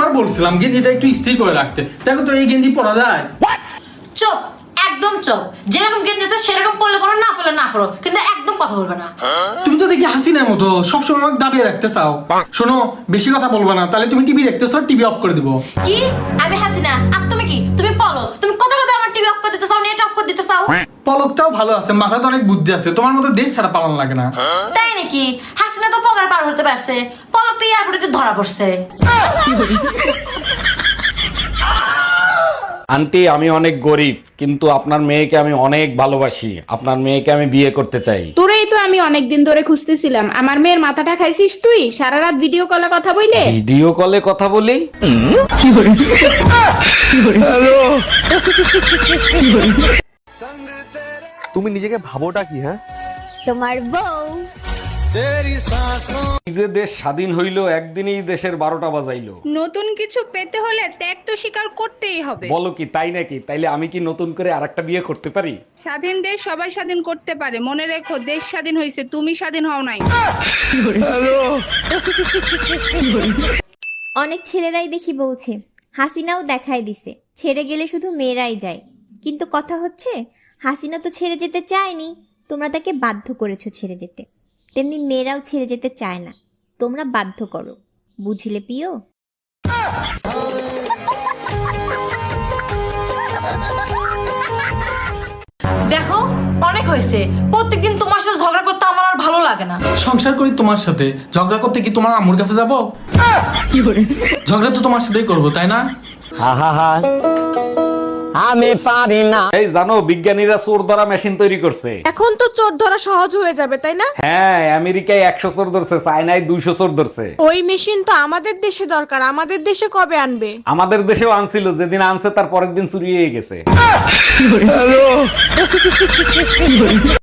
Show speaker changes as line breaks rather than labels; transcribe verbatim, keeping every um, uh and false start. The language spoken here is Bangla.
কতবার বলছিলাম গেঞ্জিটা একটু ইস্ত্রি করে রাখতে, দেখো তো এই গেঞ্জি পরা যায়?
চুপ, একদম চুপ। যেরকম গেঞ্জি আছে সেরকম পরলে পরো, না পরলে না পরো, কিন্তু একদম কথা বলবে না।
তুমি তো দেখি হাসিনার মতো সবসময় আমাকে দাবিয়ে রাখতে চাও। শোনো, বেশি কথা বলবা না, তাহলে তুমি টিভি দেখতেছো, টিভি অফ করে দিবো।
কি? আমি হাসিনা আর তুমি কি? তুমি বলো, তুমি কথা কথা আমার টিভি অফ করে দিতে চাও, নেট অফ করে দিতে চাও?
পলকটাও ভালো আছে, মাথাতে অনেক বুদ্ধি আছে, তোমার মতো দেশ ছাড়া পালন লাগে না।
তাই নাকি? হাসিনা তো পগার পার হতে পারছে, পলক তো এয়ারপোর্টে ধরা পড়ছে।
আন্টি, আমি অনেক গরিব, কিন্তু আপনার মেয়েকে আমি অনেক ভালোবাসি। আপনার মেয়েকে আমি বিয়ে করতে চাই।
তোরেই তো আমি অনেকদিন ধরে খুঁজতেছিলাম। আমার মেয়ের মাথাটা খাইছিস তুই সারা রাত ভিডিও কলে কথা বইলে।
ভিডিও কলে কথা বলি?
তুমি নিজেকে ভাবোটা কি? হ্যাঁ,
তোমার বউ।
এই যে দেশ স্বাধীন হইলো, একদিনেই দেশের বারোটা বাজাইলো।
নতুন কিছু পেতে হলে ত্যাগ তো স্বীকার করতেই হবে।
বলো কি, তাই নাকি? তাইলে আমি কি নতুন করে আরেকটা বিয়ে করতে পারি?
স্বাধীন দেশ সবাই স্বাধীন করতে পারে, মনে রেখো দেশ স্বাধীন হয়েছে, তুমি স্বাধীন হও নাই।
অনেক ছেলেরাই দেখি বলছে, হাসিনাও দেখায় দিছে ছেড়ে গেলে শুধু মেয়েরাই যায়। কিন্তু কথা হচ্ছে, হাসিনা তো ছেড়ে যেতে চায়নি, তোমরা তাকে বাধ্য করেছো ছেড়ে যেতে। তেমনি মেয়েরাও ছেড়ে যেতে চায় না, তোমরা বাধ্য করো। বুঝলে পিও?
দেখো, অনেক হয়েছে। প্রত্যেকদিন তোমার সাথে ঝগড়া করতে আমার আর ভালো লাগে না।
সংসার করি তোমার সাথে, ঝগড়া করতে কি তোমার আম্মুর কাছে যাবো? ঝগড়া তো তোমার সাথেই করবো, তাই না?
আমি পারি না।
এই জানো, বিজ্ঞানীরা চোর ধরা মেশিন তৈরি করছে।
এখন তো চোর ধরা সহজ হয়ে যাবে, তাই না?
হ্যাঁ, আমেরিকায় একশো চোর ধরছে, চায়নায় দুইশো চোর ধরছে।
ওই মেশিন তো আমাদের দেশে দরকার, আমাদের দেশে কবে আনবে?
আমাদের দেশেও আনছিল, যেদিন আনছে তার পরের দিন চুরি হয়ে গেছে।